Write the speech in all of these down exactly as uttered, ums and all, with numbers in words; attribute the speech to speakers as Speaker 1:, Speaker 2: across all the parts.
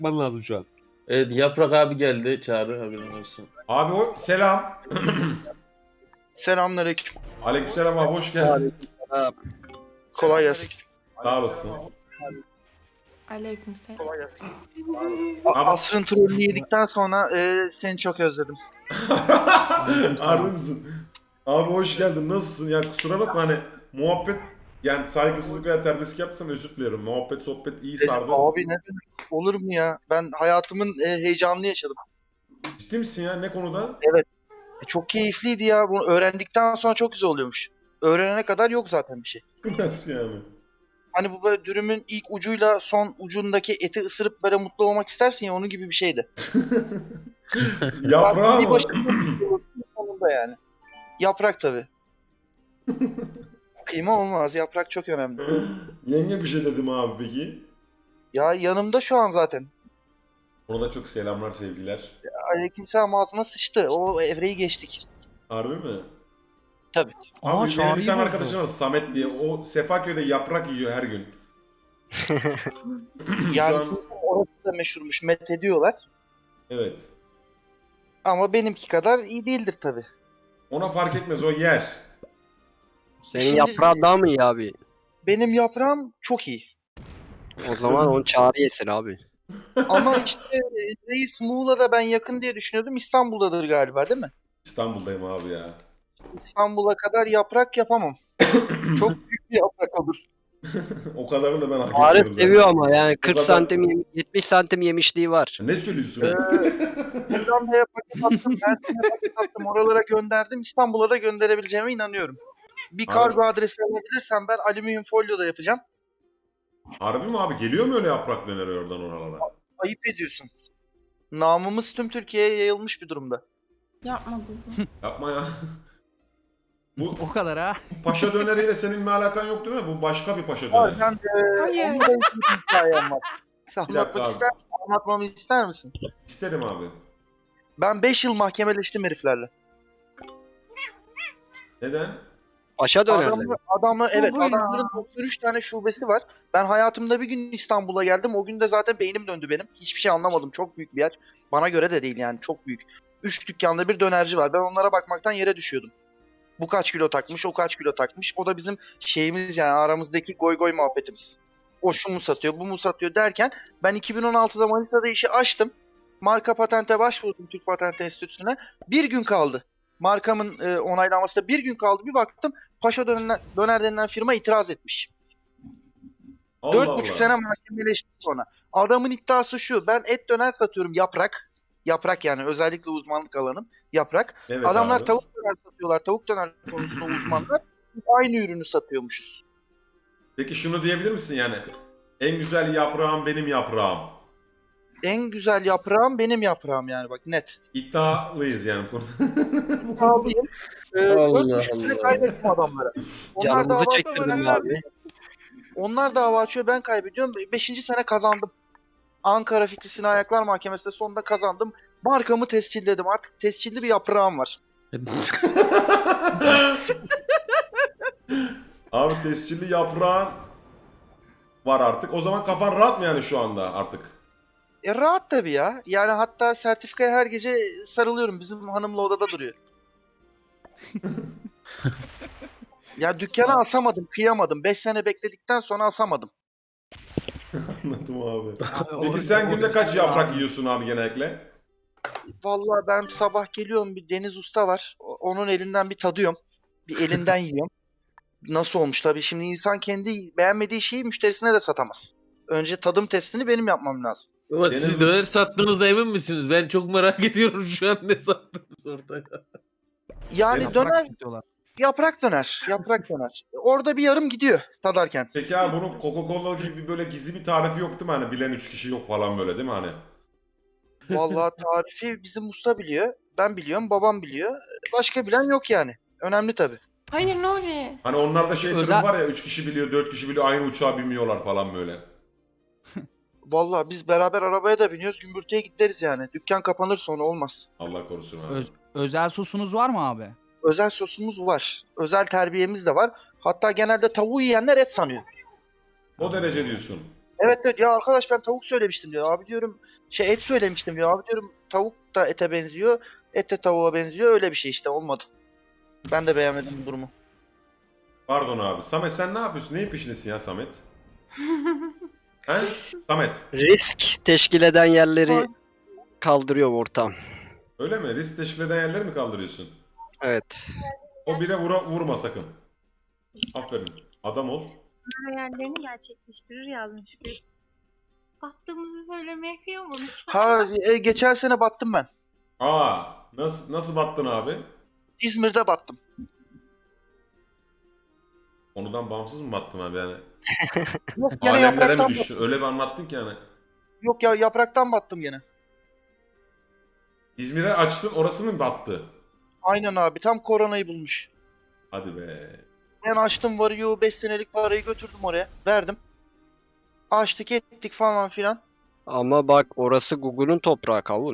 Speaker 1: Bakman lazım şu an.
Speaker 2: Evet, Yaprak abi geldi. Çağrı haberin olsun.
Speaker 3: Abi o selam.
Speaker 4: Selamünaleyküm.
Speaker 3: Aleykümselam abi, hoş geldin.
Speaker 4: Kolay gelsin.
Speaker 3: Sağ olasın.
Speaker 5: Aleykümselam.
Speaker 4: Kolay gelsin. A-
Speaker 3: Abi-
Speaker 4: Asrın trollü yedikten sonra e, seni çok özledim.
Speaker 3: Harbi misin? Abi hoş geldin. Nasılsın? Ya kusura bakma, hani muhabbet, yani saygısızlık veya terbiyesizlik yapsam özür dilerim. Muhabbet sohbet iyi
Speaker 4: E,
Speaker 3: sardı.
Speaker 4: abi ne demek? Olur mu ya? Ben hayatımın e, heyecanını yaşadım.
Speaker 3: Ciddi misin ya? Ne konuda?
Speaker 4: E, çok keyifliydi ya. Bunu öğrendikten sonra çok güzel oluyormuş. Öğrenene kadar yok zaten bir şey.
Speaker 3: Nasıl yani?
Speaker 4: Hani bu böyle dürümün ilk ucuyla son ucundaki eti ısırıp böyle mutlu olmak istersin ya, onun gibi bir şeydi.
Speaker 3: Yaprağı
Speaker 4: Bir
Speaker 3: mı?
Speaker 4: başında sonunda yani. Yaprak tabii. Kıyma olmaz. Yaprak çok önemli.
Speaker 3: Yenge bir şey dedim abi peki.
Speaker 4: Ya yanımda şu an zaten.
Speaker 3: Ona da çok selamlar, sevgiler.
Speaker 4: Aleykümselam, ağzıma sıçtı. O evreyi geçtik.
Speaker 3: Harbi mi?
Speaker 4: Tabii.
Speaker 3: Abi
Speaker 6: Aa,
Speaker 3: benim bir
Speaker 6: Çağrı'yı
Speaker 3: tane
Speaker 6: bozdu.
Speaker 3: arkadaşım var, Samet diye. O Sefaköy'de yaprak yiyor her gün.
Speaker 4: Yani
Speaker 3: Şu an-
Speaker 4: orası da meşhurmuş. Met ediyorlar.
Speaker 3: Evet.
Speaker 4: Ama benimki kadar iyi değildir tabii.
Speaker 3: Ona fark etmez, o yer.
Speaker 7: Senin
Speaker 4: Şimdi-
Speaker 7: yaprağın daha mı iyi abi?
Speaker 4: Benim yaprağım çok iyi.
Speaker 7: O zaman onu Çağrı yesin abi.
Speaker 4: Ama işte e, reis Muğla'da ben yakın diye düşünüyordum. İstanbul'dadır galiba, değil mi?
Speaker 3: İstanbul'dayım abi ya.
Speaker 4: İstanbul'a kadar yaprak yapamam. Çok büyük bir yaprak olur.
Speaker 3: O kadarını da ben hak
Speaker 7: Çağrı
Speaker 3: etmiyorum zaten.
Speaker 7: seviyor ama yani kırk
Speaker 3: kadar-
Speaker 7: santim yem- yetmiş santim yemişliği var.
Speaker 3: Ne söylüyorsun?
Speaker 4: Ee, Hollanda'ya paket attım, Mersin'e paket attım, oralara gönderdim. İstanbul'a da gönderebileceğime inanıyorum. Bir
Speaker 3: Abi-
Speaker 4: kargo adresi alabilirsem ben alüminyum folyo da yapacağım.
Speaker 3: Harbi mi abi? Geliyor mu öyle yaprak döneri oradan oralara?
Speaker 4: Ayıp ediyorsun. Namımız tüm Türkiye'ye yayılmış bir durumda.
Speaker 5: Yapma bunu.
Speaker 3: Yapma ya. Bu
Speaker 6: O kadar ha.
Speaker 3: paşa döneriyle senin bir alakan yok değil mi? Bu başka bir paşa
Speaker 4: Var,
Speaker 3: döneri.
Speaker 4: ben de
Speaker 5: Hayır.
Speaker 4: onun da bir hikayem var. Sen
Speaker 3: Bir dakika
Speaker 4: anlatmak
Speaker 3: abi.
Speaker 4: ister, anlatmamı ister misin?
Speaker 3: İsterim abi.
Speaker 4: Ben beş yıl mahkemeleştim heriflerle.
Speaker 3: Neden?
Speaker 7: Paşa dönerler.
Speaker 4: Adamı, adamı evet,
Speaker 5: Bu ya.
Speaker 4: adamların doksan üç tane şubesi var. Ben hayatımda bir gün İstanbul'a geldim. O gün de zaten beynim döndü benim. Hiçbir şey anlamadım. Çok büyük bir yer. Bana göre de değil yani, çok büyük. Üç dükkanda bir dönerci var. Ben onlara bakmaktan yere düşüyordum. Bu kaç kilo takmış, o kaç kilo takmış. O da bizim şeyimiz yani, aramızdaki goy goy muhabbetimiz. O şu mu satıyor, bu mu satıyor derken ben iki bin on altıda Manisa'da işi açtım. Marka patente başvurdum Türk Patent Enstitüsü'ne. Bir gün kaldı. Markamın e, onaylanmasına bir gün kaldı. Bir baktım Paşa Döner, Döner denilen firma itiraz etmiş.
Speaker 3: Allah
Speaker 4: Dört
Speaker 3: Allah.
Speaker 4: buçuk sene mahkemeleştik sonra. Adamın iddiası şu: ben et döner satıyorum, yaprak. Yaprak yani, özellikle uzmanlık alanım yaprak.
Speaker 3: Evet
Speaker 4: Adamlar
Speaker 3: abi.
Speaker 4: tavuk döner satıyorlar. Tavuk döner konusunda uzmanlar. Biz aynı ürünü satıyormuşuz.
Speaker 3: Peki şunu diyebilir misin yani? En güzel yaprağım benim yaprağım.
Speaker 4: En güzel yaprağım benim yaprağım yani, bak net.
Speaker 3: İddialıyız yani bu konuda. Bu konuda.
Speaker 4: Kaldıyım. Ee,
Speaker 2: Allah
Speaker 4: dört buçuk sene
Speaker 2: Allah.
Speaker 4: kaybettim adamlara. Onlar
Speaker 7: Canımızı
Speaker 4: dava
Speaker 7: çektirdin
Speaker 4: açıyor,
Speaker 7: mi
Speaker 4: ben
Speaker 7: abi?
Speaker 4: kaybediyorum. Onlar dava açıyor, ben kaybediyorum. Beşinci sene kazandım. Ankara Fikri Sinan Ayaklar Mahkemesi'nde sonunda kazandım. Markamı tescilledim. Artık tescilli bir yaprağım var.
Speaker 3: Abi tescilli yaprağın var artık. O zaman kafan rahat mı yani şu anda artık?
Speaker 4: E rahat tabii ya. Yani hatta sertifikaya her gece sarılıyorum. Bizim hanımla odada duruyor. Ya dükkana asamadım, kıyamadım. Beş sene bekledikten sonra asamadım.
Speaker 3: Anladım abi.
Speaker 6: Abi,
Speaker 3: Peki
Speaker 6: o-
Speaker 3: sen
Speaker 6: o-
Speaker 3: günde kaç yaprak yiyorsun abi genellikle?
Speaker 4: Vallahi ben sabah geliyorum, bir Deniz Usta var. O- Onun elinden bir tadıyorum. Bir elinden yiyorum. Nasıl olmuş tabii. Şimdi insan kendi beğenmediği şeyi müşterisine de satamaz. Önce tadım testini benim yapmam lazım.
Speaker 2: Ama
Speaker 3: Deniz
Speaker 2: siz
Speaker 3: Uz-
Speaker 2: döner sattığınızda emin misiniz? Ben çok merak ediyorum şu an ne sattınız orada.
Speaker 4: Yani
Speaker 3: Yaprak
Speaker 4: döner,
Speaker 6: satıyorlar.
Speaker 4: yaprak döner. Yaprak döner. Orada bir yarım gidiyor tadarken.
Speaker 3: Peki abi bunun Coca-Cola gibi böyle gizli bir tarifi yok değil mi? Hani bilen üç kişi yok falan böyle değil mi hani?
Speaker 4: Vallahi tarifi bizim usta biliyor. Ben biliyorum, babam biliyor. Başka bilen yok yani. Önemli tabii.
Speaker 5: Hayır Nuri.
Speaker 3: Hani onlarda şey
Speaker 6: Özel-
Speaker 3: durum var ya, üç kişi biliyor, dört kişi biliyor, aynı uçağa binmiyorlar falan böyle.
Speaker 4: Vallahi biz beraber arabaya da biniyoruz, gümbürtüye gideriz yani. Dükkan kapanır sonra, olmaz.
Speaker 3: Allah korusun abi.
Speaker 6: Öz- özel sosunuz var mı abi?
Speaker 4: Özel sosumuz var. Özel terbiyemiz de var. Hatta genelde tavuğu yiyenler et sanıyor.
Speaker 3: O derece diyorsun.
Speaker 4: Evet evet ya arkadaş ben tavuk söylemiştim diyor. Abi diyorum şey et söylemiştim diyor. Abi diyorum tavuk da ete benziyor. Et de tavuğa benziyor. Öyle bir şey işte olmadı. Ben de beğenmedim bu durumu.
Speaker 3: Pardon abi. Samet sen ne yapıyorsun? Neyin peşindesin ya Samet? He? Samet.
Speaker 7: Risk teşkil eden yerleri kaldırıyorum ortam.
Speaker 3: Öyle mi? Risk teşkil eden yerleri mi kaldırıyorsun?
Speaker 7: Evet.
Speaker 3: O bile vura, vurma sakın. Aferin. Adam ol.
Speaker 1: Hayallerini gerçekleştirir yazmış biz. Battığımızı söylemeye kıyamadım.
Speaker 4: Ha e, geçen sene battım ben.
Speaker 3: Aa, nasıl nasıl battın abi?
Speaker 4: İzmir'de battım.
Speaker 3: Konudan bağımsız mı battın abi yani?
Speaker 4: Yok gene
Speaker 3: Alemlere mi
Speaker 4: yapraktan
Speaker 3: düştün? Öyle bir anlattın ki yani.
Speaker 4: Yok ya yapraktan battım gene.
Speaker 3: İzmir'e açtın, orası mı battı?
Speaker 4: Aynen abi tam koronayı bulmuş.
Speaker 3: Hadi be.
Speaker 4: Ben açtım varıyor beş senelik parayı götürdüm oraya. Verdim. Açtık ettik falan filan.
Speaker 7: Ama bak orası Google'un toprağı kavun.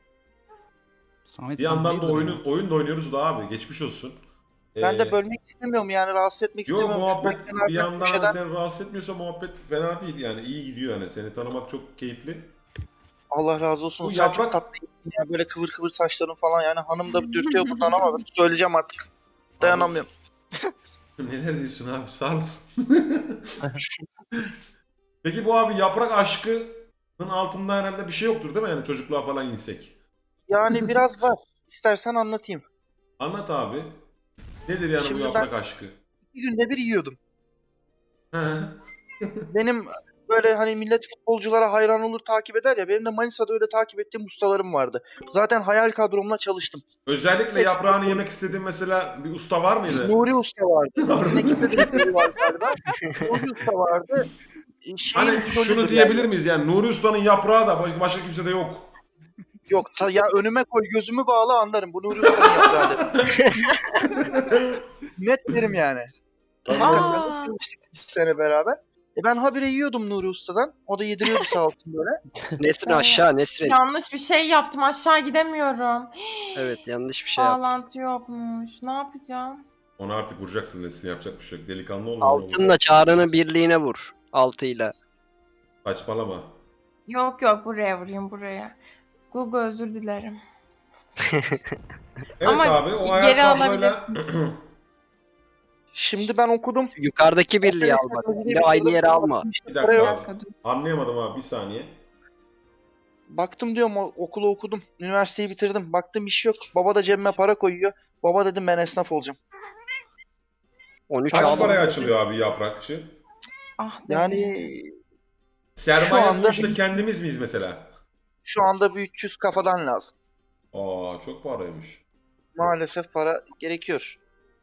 Speaker 6: Samet
Speaker 3: Bir
Speaker 6: sen
Speaker 3: yandan da
Speaker 6: hayırdır
Speaker 3: oyunu,
Speaker 6: ya?
Speaker 3: oyun da oynuyoruz da abi. Geçmiş olsun.
Speaker 4: Ben
Speaker 3: Ee,
Speaker 4: de bölmek istemiyorum yani rahatsız etmek
Speaker 3: Yok
Speaker 4: istemiyorum.
Speaker 3: muhabbet
Speaker 4: Şuradan kenardan
Speaker 3: bir yandan
Speaker 4: köşeden-
Speaker 3: da seni rahatsız etmiyorsa muhabbet fena değil yani iyi gidiyor yani seni tanımak çok keyifli.
Speaker 4: Allah razı olsun.
Speaker 3: Bu
Speaker 4: Sen
Speaker 3: yaprak-
Speaker 4: çok tatlıydın ya böyle kıvır kıvır saçların falan yani hanım da dürtüyor buradan ama ben söyleyeceğim artık. Dayanamıyorum.
Speaker 3: Neler diyorsun abi sağ olasın. Peki bu abi yaprak aşkının altında herhalde bir şey yoktur değil mi yani çocukluğa falan insek?
Speaker 4: Yani biraz var. İstersen anlatayım.
Speaker 3: Anlat abi. Nedir yani
Speaker 4: Şimdi
Speaker 3: bu yaprak aşkı?
Speaker 4: Bir günde bir yiyordum.
Speaker 3: Hı.
Speaker 4: Benim böyle hani millet futbolculara hayran olur takip eder ya benim de Manisa'da öyle takip ettiğim ustalarım vardı. Zaten hayal kadromla çalıştım.
Speaker 3: Özellikle yaprağını yemek istediğin mesela bir usta var mıydı?
Speaker 4: Nuri Usta vardı. Yine kimde de Nuri var galiba. Nuri Usta vardı. Şeyin
Speaker 3: Hani
Speaker 4: idolüdür
Speaker 3: şunu
Speaker 4: yani.
Speaker 3: diyebilir miyiz yani Nuri Usta'nın yaprağı da baş- başka kimse de yok.
Speaker 4: Yok ta- ya önüme koy gözümü bağla anlarım. Bu Nuri Usta'nın yaprağı derim. Net derim yani. Hakikaten çalıştık iki sene beraber. E ben habire yiyordum Nuri Usta'dan. O da yediriyordu sağ olsun böyle.
Speaker 7: Nesrin aşağı Nesrin.
Speaker 5: Yanlış bir şey yaptım. Aşağı gidemiyorum.
Speaker 7: Evet yanlış bir şey yaptın.
Speaker 5: Bağlantı yokmuş. Ne yapacağım?
Speaker 3: Onu artık vuracaksın Nesin yapacak bir şey yok. Delikanlı olma. onu vur.
Speaker 7: Altınla çağrını birliğine vur. Altıyla.
Speaker 3: Saçmalama.
Speaker 5: Yok yok buraya vurayım buraya. Google özür dilerim.
Speaker 3: Evet
Speaker 5: Ama
Speaker 3: abi o
Speaker 5: geri
Speaker 3: hayal tabloyla
Speaker 4: Şimdi ben okudum.
Speaker 7: Yukarıdaki birliği al bak. Yine aynı yere alma.
Speaker 3: Bir
Speaker 4: Para
Speaker 3: dakika
Speaker 4: yok.
Speaker 3: abi.
Speaker 5: Dakika, dur.
Speaker 3: Anlayamadım abi bir saniye.
Speaker 4: Baktım diyorum o- okulu okudum. Üniversiteyi bitirdim. Baktım iş yok. Baba da cebime para koyuyor. Baba dedim ben esnaf olacağım.
Speaker 7: on üç
Speaker 3: Kaç
Speaker 7: al.
Speaker 3: paraya açılıyor abi yaprakçı?
Speaker 5: Ah be.
Speaker 4: Yani
Speaker 3: Sermaye
Speaker 4: anda-
Speaker 3: bu işte kendimiz miyiz mesela?
Speaker 4: şu anda bir üç yüz kafadan lazım.
Speaker 3: Aa çok paraymış.
Speaker 4: Maalesef para gerekiyor.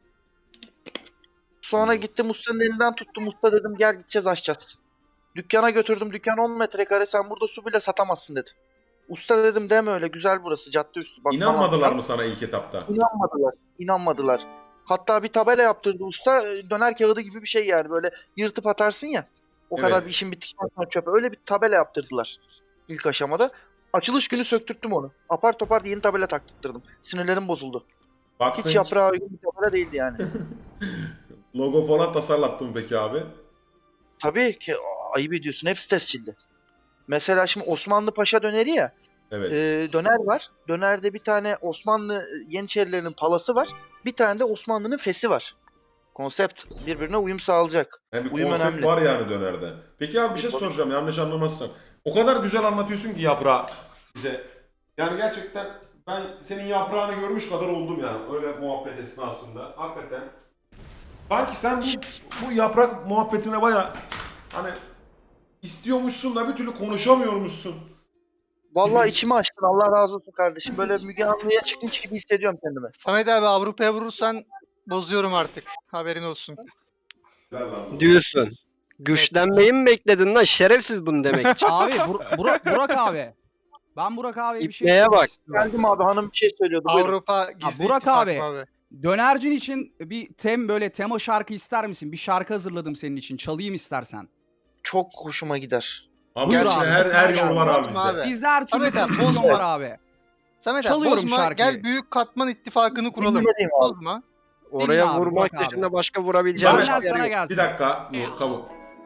Speaker 4: Sonra gittim ustanın elinden tuttum. Usta dedim gel gideceğiz açacağız. Dükkana götürdüm. Dükkan on metrekare. Sen burada su bile satamazsın dedi. Usta dedim deme öyle. Güzel burası. Cadde üstü. Bak,
Speaker 3: İnanmadılar
Speaker 4: falan.
Speaker 3: mı sana ilk etapta?
Speaker 4: İnanmadılar. İnanmadılar. Hatta bir tabela yaptırdı usta. Döner kağıdı gibi bir şey yani. Böyle yırtıp atarsın ya. O
Speaker 3: Evet.
Speaker 4: kadar bir işin bittikten sonra çöpe. Öyle bir tabela yaptırdılar. İlk aşamada. Açılış günü söktürttüm onu. Apar topar yeni tabela taktırdım. Sinirlerim bozuldu.
Speaker 3: Baktın
Speaker 4: Hiç yaprağa uygun bir tabela değildi yani.
Speaker 3: logo falan tasarlattın mı peki abi?
Speaker 4: Tabii ki ayıp ediyorsun. Hepsi tescilli. Mesela şimdi Osmanlı Paşa döneri ya.
Speaker 3: Evet.
Speaker 4: e, döner var. Dönerde bir tane Osmanlı Yeniçerilerinin palası var. Bir tane de Osmanlı'nın fesi var. Konsept birbirine uyum sağlayacak.
Speaker 3: Yani bir
Speaker 4: uyum
Speaker 3: konsept
Speaker 4: önemli.
Speaker 3: var yani dönerde. Peki abi bir şey soracağım yanlış anlamazsan. O kadar güzel anlatıyorsun ki yaprağı bize. Yani gerçekten ben senin yaprağını görmüş kadar oldum yani öyle muhabbet esnasında. Hakikaten. Sanki sen bu, bu yaprak muhabbetine baya hani istiyormuşsun da bir türlü konuşamıyormuşsun.
Speaker 4: Vallahi içimi açtın. Allah razı olsun kardeşim. Böyle Müge Anlı'ya çıkmış gibi hissediyorum kendimi.
Speaker 8: Samet abi Avrupa'ya vurursan bozuyorum artık. Haberin olsun.
Speaker 3: Ver lan.
Speaker 7: Diyorsun. Güçlenmeyi mi bekledin lan? Şerefsiz bunu demek için.
Speaker 6: Abi Bur- Burak, Burak abi. Ben Burak abiye bir şey
Speaker 7: İpneye
Speaker 6: sormak
Speaker 7: bak.
Speaker 6: istiyorum.
Speaker 4: Geldim abi hanım bir şey söylüyordu. Buyurun.
Speaker 8: Avrupa gizli
Speaker 6: Burak
Speaker 8: ittifak
Speaker 6: abi.
Speaker 8: mı abi.
Speaker 6: Dönercin için bir tem böyle tema şarkı ister misin? Bir şarkı hazırladım senin için. Çalayım istersen.
Speaker 4: Çok hoşuma gider.
Speaker 3: Abi
Speaker 6: Buyur
Speaker 3: gerçekten
Speaker 6: abi,
Speaker 3: her, her
Speaker 6: bozma
Speaker 3: yol var abi
Speaker 8: bozma
Speaker 3: bizde.
Speaker 8: abi.
Speaker 6: Bizde her türlü
Speaker 8: Samet abi,
Speaker 6: prodüksiyon
Speaker 8: bozma.
Speaker 6: var abi.
Speaker 8: Samet abi
Speaker 6: Çalıyorum
Speaker 8: bozma
Speaker 6: şarkıyı.
Speaker 8: gel Büyük Katman İttifakı'nı kuralım.
Speaker 4: Dinlemedeyim abi.
Speaker 8: Bozma.
Speaker 7: Oraya
Speaker 6: abi,
Speaker 7: vurmak
Speaker 6: bak abi.
Speaker 7: dışında başka vurabileceğim
Speaker 3: Samet,
Speaker 7: bir yer
Speaker 6: sana
Speaker 7: yok.
Speaker 6: gelsin.
Speaker 3: Bir dakika. Nur, kabul.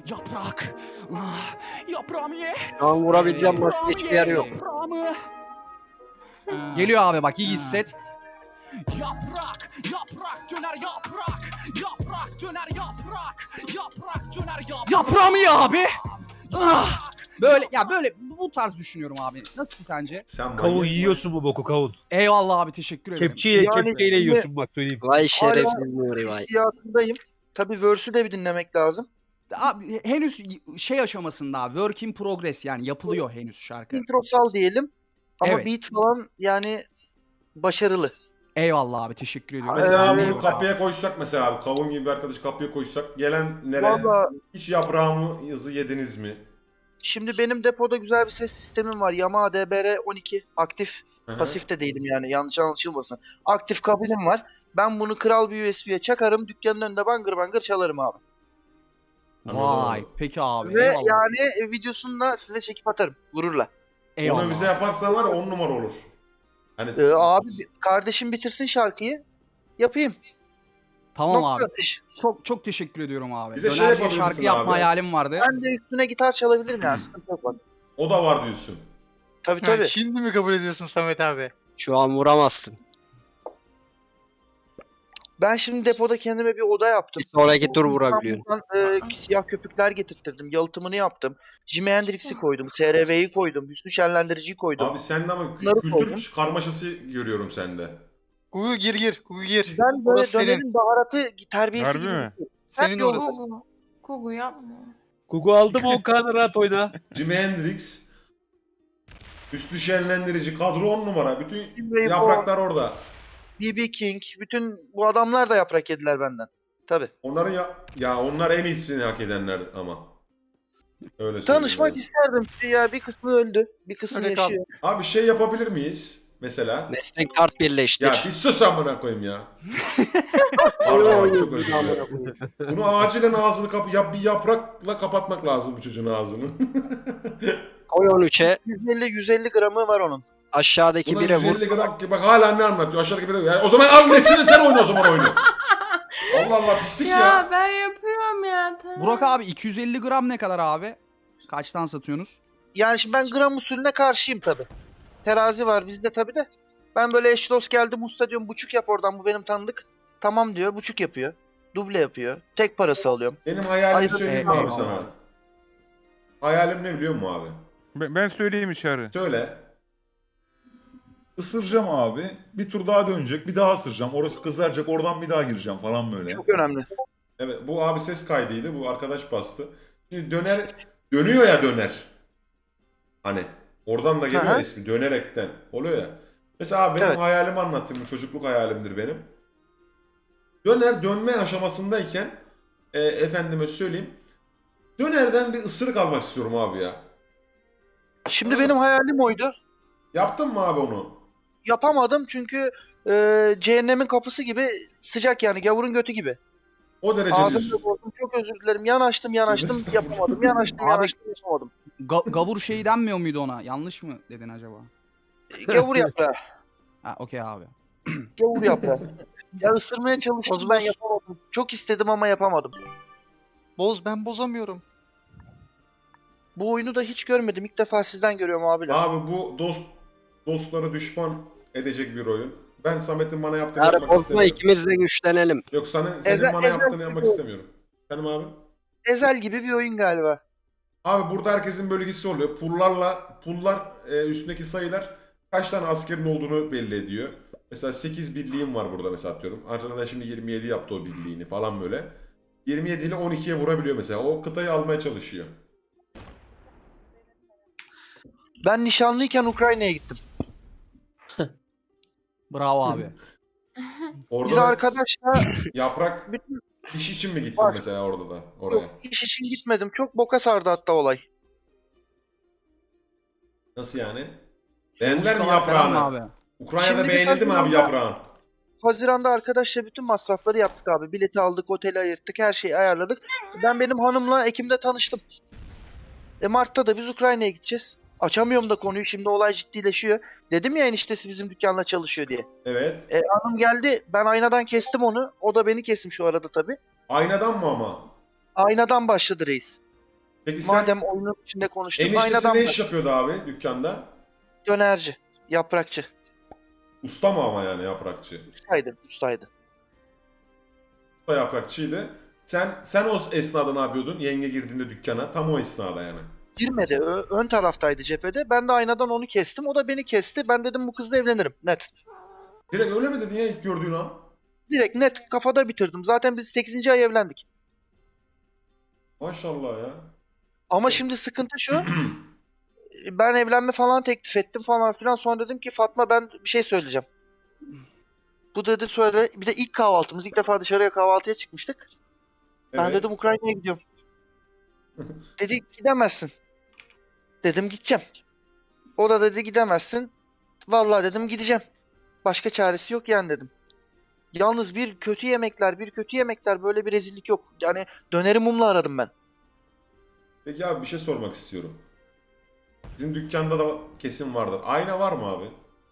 Speaker 6: Yaprak. Ah, yaprağımı ye.
Speaker 7: Şu an vurabileceğim başka
Speaker 6: Yaprağımı
Speaker 7: hiçbir yer
Speaker 6: ye,
Speaker 7: yok.
Speaker 6: Yaprağımı. Geliyor abi bak iyi hisset. Yaprak, yaprak döner yaprak. Yaprak döner yaprak. Yaprak döner yaprak. Yaprağımı ye abi. Ah, böyle ya böyle bu tarz düşünüyorum abi. Nasıl sence?
Speaker 3: Sen
Speaker 2: Kavun
Speaker 3: manyak
Speaker 2: yiyorsun bu boku kavun.
Speaker 6: Eyvallah abi teşekkür ederim.
Speaker 2: Kepçeyle,
Speaker 4: Yani-
Speaker 2: kepçeyle yiyorsun bak söyleyeyim.
Speaker 7: Vay şerefsiz Nuri vay.
Speaker 4: Hissiyatındayım. Tabii verse'ü de bir dinlemek lazım.
Speaker 6: Abi henüz şey aşamasında abi, work in progress yani yapılıyor henüz şarkı.
Speaker 4: Introsal diyelim. Ama
Speaker 6: Evet.
Speaker 4: beat falan yani başarılı.
Speaker 6: Eyvallah abi teşekkür ediyorum.
Speaker 3: Mesela
Speaker 4: Ee,
Speaker 3: bunu kapıya koysak mesela abi kavun gibi bir arkadaşı kapıya koysak gelenlere
Speaker 4: Valla
Speaker 3: hiç yaprağımızı yediniz mi?
Speaker 4: şimdi benim depoda güzel bir ses sistemim var. Yamaha D B R on iki aktif.
Speaker 3: Hı hı.
Speaker 4: Pasif de değilim yani yanlış anlaşılmasın. Aktif kabilim var. Ben bunu kral bir U S B'ye çakarım. Dükkanın önünde bangır bangır çalarım abi.
Speaker 6: Vay peki abi
Speaker 4: Ve
Speaker 6: eyvallah.
Speaker 4: yani e, videosunu da size çekip atarım gururla.
Speaker 6: eyvallah.
Speaker 3: Onu bize yaparsan var ya on numara olur. Hani
Speaker 4: Ee, abi bi- kardeşim bitirsin şarkıyı. Yapayım.
Speaker 6: Tamam
Speaker 4: Nokta
Speaker 6: abi.
Speaker 4: atış.
Speaker 6: Çok çok teşekkür ediyorum abi.
Speaker 3: Bize şey
Speaker 6: Dönerciye
Speaker 3: yapabilir
Speaker 6: şarkı
Speaker 3: misin
Speaker 6: yapma
Speaker 3: abi?
Speaker 6: hayalim vardı.
Speaker 4: Ben de üstüne gitar çalabilirim yani sıkıntı yok bak.
Speaker 3: o da var diyorsun.
Speaker 4: Tabii
Speaker 8: Ha,
Speaker 4: tabii.
Speaker 8: Şimdi mi kabul ediyorsun Samet abi?
Speaker 7: Şu an vuramazsın.
Speaker 4: Ben şimdi depoda kendime bir oda yaptım.
Speaker 7: Bir sonraki tur vurabiliyorsun.
Speaker 4: İstanbul'dan, e, siyah köpükler getirttirdim. Yalıtımını yaptım. Jimi Hendrix'i koydum. S R V'yi koydum. Hüsnü Şenlendirici'yi koydum.
Speaker 3: Abi sende ama kü-
Speaker 4: Bunları
Speaker 3: kültür
Speaker 4: koydum.
Speaker 3: karmaşası görüyorum sende.
Speaker 8: Kuyu gir gir. Kuyu gir.
Speaker 4: Ben böyle
Speaker 8: Orası senin.
Speaker 4: dönemin baharatı terbiyesi
Speaker 9: Harbi
Speaker 4: gibi.
Speaker 9: mi?
Speaker 8: Senin
Speaker 4: yolda.
Speaker 8: orası.
Speaker 5: Gugu. Gugu yapma.
Speaker 2: Gugu aldı mı o kanı rahat oyna.
Speaker 3: Jimi Hendrix, üstü şenlendirici, kadro on numara. Bütün
Speaker 4: Rainbow,
Speaker 3: yapraklar orada.
Speaker 4: B B King, bütün bu adamlar da yaprak yediler benden. Tabii.
Speaker 3: Onların ya, ya onlar en iyisini hak edenler ama. Öyle
Speaker 4: Tanışmak
Speaker 3: söyleyeyim
Speaker 4: isterdim. Ya bir kısmı öldü, bir kısmı
Speaker 8: Öyle kal.
Speaker 4: yaşıyor.
Speaker 3: yani. Abi şey yapabilir miyiz? Mesela.
Speaker 7: Meslek kart birleştir.
Speaker 3: Ya bir sus amına koyayım ya. Pardon, çok özür dilerim. Bunu acilen ağzını kapı yap bir yaprakla kapatmak lazım bu çocuğun ağzını.
Speaker 7: Koy on üçe
Speaker 4: yüz elli yüz elli gramı var onun.
Speaker 7: aşağıdaki
Speaker 3: Buna
Speaker 7: bire vur.
Speaker 3: yüz elli gram ki bak hala ne anlatıyor aşağıdaki bire. Ya, o zaman al Messi'de sen oyna o zaman oyunu. Allah Allah pislik
Speaker 5: Ya,
Speaker 3: ya.
Speaker 5: ben yapıyorum ya tamam.
Speaker 6: Burak abi iki yüz elli gram ne kadar abi? Kaçtan satıyorsunuz?
Speaker 4: Yani şimdi ben gram usulüne karşıyım tabii. Terazi var bizde tabii de. Ben böyle eş dost geldim usta diyorum buçuk yap oradan bu benim tanıdık. Tamam diyor buçuk yapıyor. Duble yapıyor. Tek parası alıyorum.
Speaker 3: Benim hayalimi
Speaker 4: Hayır,
Speaker 3: söyleyeyim mi
Speaker 6: e,
Speaker 3: abi
Speaker 6: eyvallah.
Speaker 3: sana? Hayalim ne biliyor musun abi?
Speaker 9: Ben, ben söyleyeyim içeri.
Speaker 3: Söyle.
Speaker 10: Isıracağım abi. Bir tur daha dönecek. Bir daha ısıracağım. Orası kızaracak. Oradan bir daha gireceğim falan böyle.
Speaker 4: Çok önemli.
Speaker 3: Evet bu abi ses kaydıydı. Bu arkadaş bastı. Şimdi döner dönüyor ya döner. Hani oradan da geliyor
Speaker 4: Hı hı.
Speaker 3: ismi dönerekten oluyor ya. Mesela abi benim
Speaker 4: Evet.
Speaker 3: hayalimi anlatayım. Bu çocukluk hayalimdir benim. Döner dönme aşamasındayken e, efendime söyleyeyim. Dönerden bir ısırık almak istiyorum abi ya.
Speaker 4: Şimdi benim hayalim oydu.
Speaker 3: Yaptın mı abi onu?
Speaker 4: Yapamadım çünkü e, cehennemin kapısı gibi sıcak yani gavurun götü gibi.
Speaker 3: O derece
Speaker 4: Ağzımda
Speaker 3: diyorsun.
Speaker 4: bozdu çok özür dilerim. Yanaştım yanaştım
Speaker 3: Estağfurullah.
Speaker 4: yapamadım. Yanaştım
Speaker 6: Abi-
Speaker 4: yanaştım yapamadım.
Speaker 6: Ga- gavur şeyi denmiyor muydu ona? Yanlış mı dedin acaba?
Speaker 4: Gavur yaprağı.
Speaker 6: Ha okey abi.
Speaker 4: Gavur yaprağı. Ya ısırmaya çalıştım
Speaker 8: Boz,
Speaker 4: ben
Speaker 8: boz.
Speaker 4: yapamadım. Çok istedim ama yapamadım.
Speaker 8: Boz ben bozamıyorum.
Speaker 4: Bu oyunu da hiç görmedim. İlk defa sizden görüyorum abiler.
Speaker 3: Abi bu dost dostları düşman edecek bir oyun. Ben Samet'in bana yaptığını
Speaker 7: Yarı
Speaker 3: yapmak
Speaker 7: bozma
Speaker 3: istemiyorum.
Speaker 7: ikimiz de güçlenelim.
Speaker 3: Yok senin, senin
Speaker 4: Ezel-
Speaker 3: bana
Speaker 4: ezel
Speaker 3: yaptığını
Speaker 4: bir
Speaker 3: yapmak
Speaker 4: oyun.
Speaker 3: istemiyorum. Benim abi.
Speaker 4: Ezel gibi bir oyun galiba.
Speaker 3: Abi burada herkesin bölgesi oluyor. Pullarla pullar e, üstündeki sayılar kaç tane askerin olduğunu belli ediyor. Mesela sekiz birliğim var burada mesela atıyorum. Arkadaş şimdi yirmi yedi yaptı o birliğini falan böyle. yirmi yedi ile on ikiye vurabiliyor mesela. O kıtayı almaya çalışıyor.
Speaker 4: Ben nişanlıyken Ukrayna'ya gittim.
Speaker 6: Bravo abi.
Speaker 3: Orada
Speaker 4: Biz
Speaker 3: da
Speaker 4: arkadaşla
Speaker 3: yaprak
Speaker 4: bütün
Speaker 3: iş için mi gittin
Speaker 4: Var.
Speaker 3: mesela orada da oraya?
Speaker 4: yok, iş için gitmedim. Çok boka sardı hatta olay.
Speaker 3: Nasıl yani? Beğendiler mi
Speaker 6: Ustalar falan mı
Speaker 3: yaprağını?
Speaker 6: abi?
Speaker 3: Ukrayna'da
Speaker 4: Şimdi biz
Speaker 3: beğenildi mi abi
Speaker 4: Haziran'da-
Speaker 3: yaprağın?
Speaker 4: Haziran'da arkadaşla bütün masrafları yaptık abi. Bileti aldık, oteli ayırttık, her şeyi ayarladık. Ben benim hanımla Ekim'de tanıştım. E Mart'ta da biz Ukrayna'ya gideceğiz. Açamıyorum da konuyu şimdi olay ciddileşiyor. Dedim ya eniştesi bizim dükkanla çalışıyor diye.
Speaker 3: Evet.
Speaker 4: E, hanım geldi ben aynadan kestim onu. O da beni kesmiş şu arada tabii.
Speaker 3: Aynadan mı ama?
Speaker 4: Aynadan başladı reis.
Speaker 3: Peki sen
Speaker 4: Madem oyunun içinde konuştuk.
Speaker 3: eniştesi
Speaker 4: Aynadan
Speaker 3: ne
Speaker 4: bak.
Speaker 3: iş yapıyordu abi dükkanda?
Speaker 4: Dönerci. Yaprakçı.
Speaker 3: Usta mı ama yani yaprakçı?
Speaker 4: Ustaydı. Ustaydı.
Speaker 3: Usta yaprakçıydı. Sen sen o esnada ne yapıyordun? Yenge girdiğinde dükkana tam o esnada yani.
Speaker 4: Girmedi. Ö- ön taraftaydı cephede. Ben de aynadan onu kestim. O da beni kesti. Ben dedim bu kızla evlenirim. Net.
Speaker 3: Direkt öyle mi dedin ya ilk gördüğün an?
Speaker 4: Direkt net kafada bitirdim. Zaten biz sekizinci ay evlendik.
Speaker 3: Maşallah ya.
Speaker 4: Ama şimdi sıkıntı şu. Ben evlenme falan teklif ettim falan filan. Sonra dedim ki Fatma ben bir şey söyleyeceğim. Bu dedi söyle. Bir de ilk kahvaltımız. İlk defa dışarıya kahvaltıya çıkmıştık. Ben
Speaker 3: Evet.
Speaker 4: dedim Ukrayna'ya gidiyorum. Dedi gidemezsin. Dedim gideceğim. O da dedi gidemezsin. Vallahi dedim gideceğim. Başka çaresi yok yani dedim. Yalnız bir kötü yemekler, bir kötü yemekler böyle bir rezillik yok. Yani döneri mumla aradım ben.
Speaker 3: Peki abi bir şey sormak istiyorum. Sizin dükkanda da kesin vardır. Ayna var mı abi?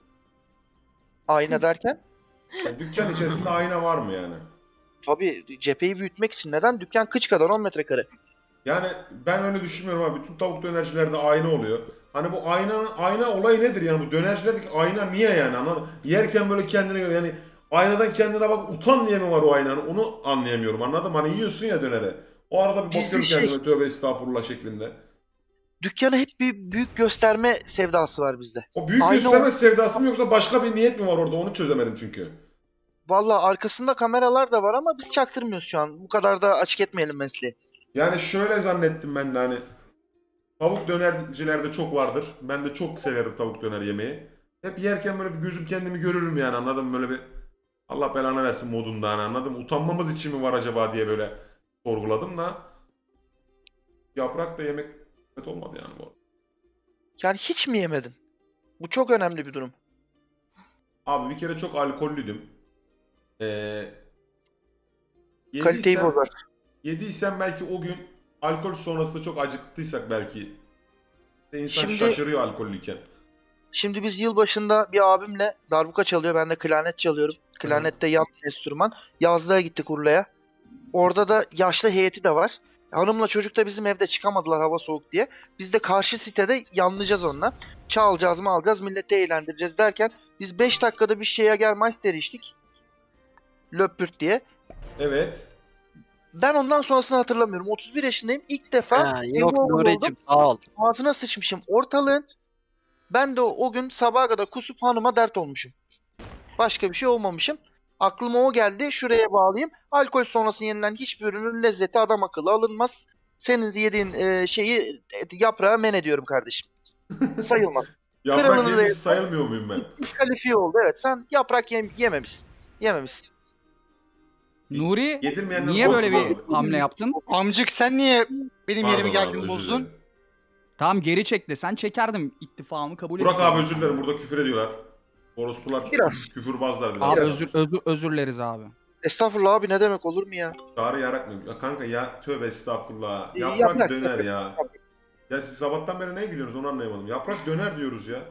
Speaker 4: Ayna derken?
Speaker 3: Yani dükkan içerisinde ayna var mı yani?
Speaker 4: Tabii cepheyi büyütmek için. Neden? Dükkan kıç kadar on metrekare.
Speaker 3: Yani ben öyle düşünmüyorum abi. Bütün tavuk dönercilerde ayna oluyor. Hani bu ayna ayna olayı nedir yani bu dönercilerdeki ayna niye yani anladın? Yerken böyle kendine göre yani aynadan kendine bak utan diye mi var o aynanın? Onu anlayamıyorum anladın mı? Hani yiyorsun ya dönere. O arada bir
Speaker 4: Gizli
Speaker 3: bakıyorum
Speaker 4: şey.
Speaker 3: kendime tövbe estağfurullah şeklinde.
Speaker 4: Dükkana hep bir büyük gösterme sevdası var bizde.
Speaker 3: O büyük
Speaker 4: Ayna
Speaker 3: gösterme
Speaker 4: o-
Speaker 3: sevdası mı yoksa başka bir niyet mi var orada onu çözemedim çünkü.
Speaker 4: Valla arkasında kameralar da var ama biz çaktırmıyoruz şu an. Bu kadar da açık etmeyelim mesleği.
Speaker 3: Yani şöyle zannettim ben de hani tavuk dönercilerde çok vardır. Ben de çok severim tavuk döner yemeği. Hep yerken böyle bir gözüm kendimi görürüm yani anladın mı? Böyle bir Allah belanı versin modunda hani anladın mı? Utanmamız için mi var acaba diye böyle sorguladım da yaprak da yemek evet olmadı yani bu arada.
Speaker 4: Yani hiç mi yemedin? Bu çok önemli bir durum.
Speaker 3: Abi bir kere çok alkollüydüm. Ee,
Speaker 4: Kaliteyi
Speaker 3: yediysem,
Speaker 4: bozar.
Speaker 3: yediysem belki o gün alkol sonrasında çok acıktıysak belki de insan
Speaker 4: Şimdi-
Speaker 3: şaşırıyor alkollüyken.
Speaker 4: Şimdi biz yılbaşında bir abimle darbuka çalıyor. Ben de klarnet çalıyorum. Klarnette yan enstrüman. Yazlığa gittik Urla'ya. Orada da yaşlı heyeti de var. Hanımla çocuk da bizim evde çıkamadılar hava soğuk diye. Biz de karşı sitede yanlayacağız onunla. Çalacağız mı alacağız milleti eğlendireceğiz derken biz beş dakikada bir Jägermeister içtik. Löpürt diye.
Speaker 3: Evet.
Speaker 4: Ben ondan sonrasını hatırlamıyorum. otuz bir yaşındayım. İlk defa
Speaker 7: Ha, yok
Speaker 4: evde oldum.
Speaker 7: Nuri'cim sağ ol.
Speaker 4: Ağzına sıçmışım ortalığın. Ben de o, o gün sabaha kadar kusup hanıma dert olmuşum. Başka bir şey olmamışım. Aklıma o geldi. Şuraya bağlayayım. Alkol sonrası yenilen hiçbir ürünün lezzeti adam akıllı alınmaz. Senin yediğin e, şeyi e, yaprağa men ediyorum kardeşim. Sayılmaz.
Speaker 3: Yaprak
Speaker 4: Kralını da
Speaker 3: yemiş
Speaker 4: yedim.
Speaker 3: sayılmıyor muyum ben?
Speaker 4: Diskalifiye oldu. Evet sen yaprak yem- yememişsin. Yememişsin.
Speaker 6: Nuri
Speaker 3: Yedirmeyenler
Speaker 6: niye böyle
Speaker 3: olsun
Speaker 6: bir
Speaker 3: abi.
Speaker 6: hamle yaptın?
Speaker 8: Amcık sen niye benim
Speaker 3: Pardon
Speaker 8: yerime
Speaker 3: abi,
Speaker 8: geldin
Speaker 3: özür
Speaker 8: bozdun?
Speaker 3: dilerim.
Speaker 6: Tamam geri çek de sen çekerdim ittifamı kabul
Speaker 3: Burak
Speaker 6: etsin.
Speaker 3: abi özür dilerim burada küfür ediyorlar. Orospular
Speaker 4: Biraz.
Speaker 3: küfürbazlar biraz.
Speaker 6: Abi
Speaker 3: Biraz.
Speaker 6: özür, özür, özür dileriz abi.
Speaker 4: Estağfurullah abi ne demek olur mu ya?
Speaker 3: Çağrı yarak mı? Ya kanka ya tövbe estağfurullah.
Speaker 4: E,
Speaker 3: Yaprak,
Speaker 4: yaprak,
Speaker 3: döner
Speaker 4: yaprak.
Speaker 3: ya. Ya siz sabahtan beri ne gülüyorsunuz onu anlayamadım. Yaprak döner diyoruz ya.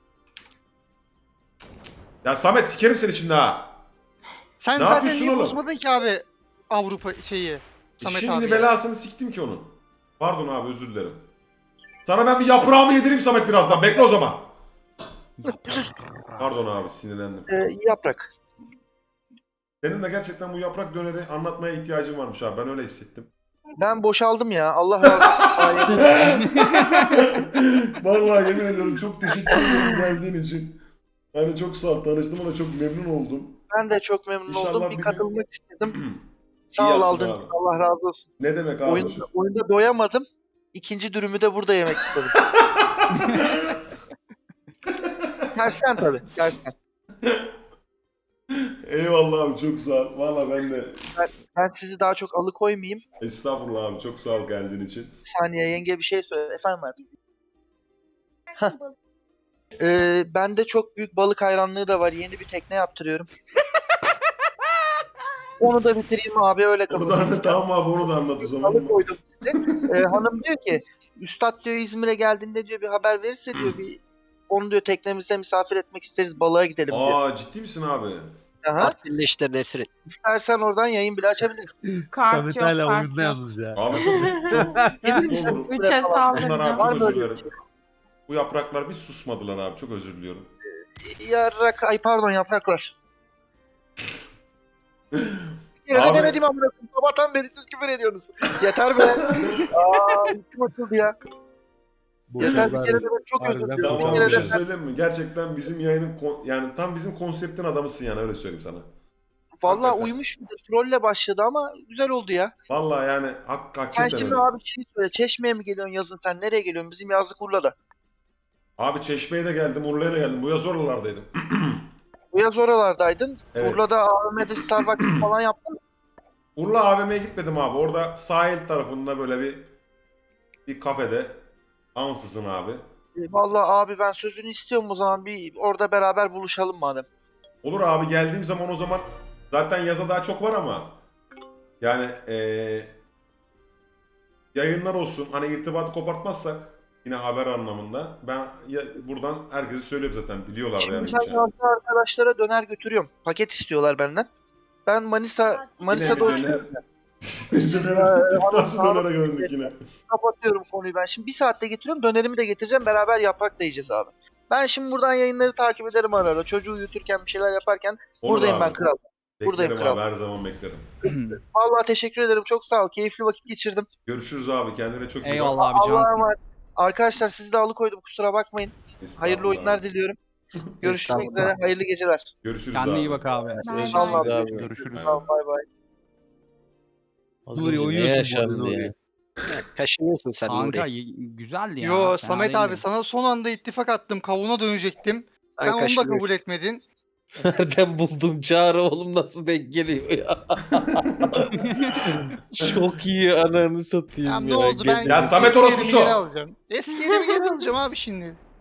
Speaker 3: Ya Samet sikerim seni şimdi ha.
Speaker 8: Sen
Speaker 3: Ne
Speaker 8: zaten
Speaker 3: yapıyorsun
Speaker 8: niye
Speaker 3: oğlum?
Speaker 8: bozmadın ki abi Avrupa şeyi?
Speaker 3: E
Speaker 8: Samet
Speaker 3: şimdi
Speaker 8: abi.
Speaker 3: belasını siktim ki onun. Pardon abi özür dilerim. Sana ben bir yaprağımı yedireyim Samet birazdan. Bekle o zaman. Pardon abi sinirlendim.
Speaker 4: E, yaprak.
Speaker 3: Senin de gerçekten bu yaprak döneri anlatmaya ihtiyacın varmış abi. Ben öyle hissettim.
Speaker 4: Ben boşaldım ya. Allah razı olsun. Ay,
Speaker 3: Vallahi yemin ediyorum çok teşekkür ederim geldiğin için. Yani çok sağ ol. Tanıştığıma da çok memnun oldum.
Speaker 4: ben de çok memnun
Speaker 3: İnşallah
Speaker 4: oldum.
Speaker 3: bir
Speaker 4: Bir
Speaker 3: gün-
Speaker 4: katılmak istedim.
Speaker 3: İyi
Speaker 4: Sağ ol
Speaker 3: yaptın
Speaker 4: aldın.
Speaker 3: abi.
Speaker 4: Allah razı olsun.
Speaker 3: Ne demek abi?
Speaker 4: Oyunda, oyunda doyamadım. İkinci dürümü de burada yemek istedim. Tersten tabii. Tersten.
Speaker 3: Eyvallah abi çok sağ ol. Valla ben de
Speaker 4: Ben sizi daha çok alıkoymayayım.
Speaker 3: estağfurullah abi çok sağ ol geldiğin için.
Speaker 4: Bir saniye yenge bir şey söyle. Efendim hayatım. Ee, bende çok büyük balık hayranlığı da var. Yeni bir tekne yaptırıyorum. Onu da bitireyim abi öyle
Speaker 3: Onu da
Speaker 4: kapatayım.
Speaker 3: anlat tamam abi onu da anlat o zaman.
Speaker 4: Alıkoydum size. Ee, hanım diyor ki Üstad diyor İzmir'e geldiğinde diyor bir haber verirse diyor bir onu diyor teknemizde misafir etmek isteriz balığa gidelim diyor.
Speaker 3: Aa ciddi misin abi?
Speaker 4: Aha.
Speaker 7: Partili işte Nesrin.
Speaker 4: İstersen oradan yayın bile açabilirsin.
Speaker 5: Kart yok, kart yok.
Speaker 2: ya.
Speaker 3: Abi çok, çok
Speaker 4: Gelir misin?
Speaker 3: olur.
Speaker 5: Üçe
Speaker 3: Bundan abi
Speaker 5: saldıracağım.
Speaker 4: Var
Speaker 3: çok
Speaker 4: mı
Speaker 3: özür
Speaker 4: öyle bir
Speaker 3: dilerim. Bu yapraklar bir susmadılar abi. Çok özür diliyorum.
Speaker 4: Yarrak, ay pardon yapraklar. Bir kere de
Speaker 3: Abi-
Speaker 4: ben edeyim amına koyayım. Sabahtan beri siz küfür ediyorsunuz. Yeter be. Aa, içim açıldı ya. Yeter bir kere de ben çok özür
Speaker 2: Harbiden
Speaker 4: diliyorum.
Speaker 3: Tamam
Speaker 4: Bir
Speaker 3: bir
Speaker 4: kere
Speaker 3: şey
Speaker 4: de ben
Speaker 3: söyleyeyim mi? Gerçekten bizim yayının kon- yani tam bizim konseptin adamısın yani öyle söyleyeyim sana.
Speaker 4: valla
Speaker 3: Hakikaten.
Speaker 4: uyumuş bir de trolle başladı ama güzel oldu ya.
Speaker 3: Vallahi yani hak
Speaker 4: Sen
Speaker 3: hakikaten
Speaker 4: şimdi
Speaker 3: öyle.
Speaker 4: abi şey söyle. Çeşme'ye mi geliyorsun yazın sen? Nereye geliyorsun? Bizim yazlık Urla'da.
Speaker 3: Abi Çeşme'ye de geldim, Urla'ya da geldim. Bu yaz oralardaydım.
Speaker 4: Bu yaz oralardaydın.
Speaker 3: Evet.
Speaker 4: Urla'da A V M'de Starbucks falan yaptın mı?
Speaker 3: Urla A V M'ye gitmedim abi. Orada sahil tarafında böyle bir bir kafede ansızın abi.
Speaker 4: E, Vallahi abi ben sözünü istiyorum o zaman. Bir orada beraber buluşalım madem.
Speaker 3: Olur abi geldiğim zaman o zaman zaten yaza daha çok var ama yani eee, yayınlar olsun. Hani irtibatı kopartmazsak yine haber anlamında ben ya, buradan herkese söyleyeyim zaten biliyorlar
Speaker 4: Şimdi
Speaker 3: yani.
Speaker 4: ben
Speaker 3: geçen.
Speaker 4: yazda arkadaşlara döner götürüyorum. Paket istiyorlar benden. Ben Manisa Manisa'da
Speaker 3: Yine bir
Speaker 4: oturuyorum.
Speaker 3: döner- Biz dönere nasıl dönere döndük yine.
Speaker 4: Kapatıyorum konuyu ben. Şimdi bir saatte getiriyorum. Dönerimi de getireceğim. Beraber yaprak da yiyeceğiz abi. Ben şimdi buradan yayınları takip ederim ara ara. Çocuğu uyuturken bir şeyler yaparken
Speaker 3: Olur
Speaker 4: buradayım
Speaker 3: abi.
Speaker 4: ben kral. Buradayım
Speaker 3: Beklerim
Speaker 4: kral.
Speaker 3: abi her zaman beklerim.
Speaker 4: Vallahi teşekkür ederim. Çok sağ ol. Keyifli vakit geçirdim.
Speaker 3: Görüşürüz abi kendine çok iyi bak.
Speaker 6: Eyvallah abi
Speaker 4: Allah'a
Speaker 6: cansın.
Speaker 4: emanet. Arkadaşlar sizi de alıkoydum. Kusura bakmayın.
Speaker 3: Estağfurullah
Speaker 4: Hayırlı oyunlar
Speaker 3: abi.
Speaker 4: diliyorum. Görüşmek
Speaker 7: Estağfurullah.
Speaker 4: üzere. Hayırlı geceler.
Speaker 3: Görüşürüz
Speaker 6: Kendine
Speaker 3: abi.
Speaker 6: iyi bak abi.
Speaker 2: Görüşürüz
Speaker 4: Allah
Speaker 2: abi.
Speaker 10: Görüşürüz.
Speaker 4: Tamam bay bay.
Speaker 2: Az
Speaker 6: Nuri,
Speaker 2: önce ne
Speaker 6: oynuyorsun bu
Speaker 2: yaşandı
Speaker 6: arada
Speaker 2: ya?
Speaker 6: Nuri.
Speaker 7: Kaşınıyorsun sen
Speaker 6: Kanka
Speaker 7: Nuri.
Speaker 6: y- güzeldi ya.
Speaker 8: Yo
Speaker 6: fena
Speaker 8: Samet abi
Speaker 6: değildi.
Speaker 8: sana son anda ittifak attım. Kavuna dönecektim.
Speaker 7: Sen
Speaker 8: Sen onu da
Speaker 7: kaşınıyorsun.
Speaker 8: kabul etmedin.
Speaker 2: Nereden buldum Çağrı oğlum nasıl denk geliyor ya? Çok iyi ananı satayım
Speaker 8: Ya
Speaker 2: ya.
Speaker 8: ne oldu ben
Speaker 2: Gece-
Speaker 3: Ya Samet
Speaker 8: eski
Speaker 3: orospu
Speaker 8: yerimi
Speaker 3: şu.
Speaker 8: geri alacağım. Eski yerimi geri alacağım abi şimdi.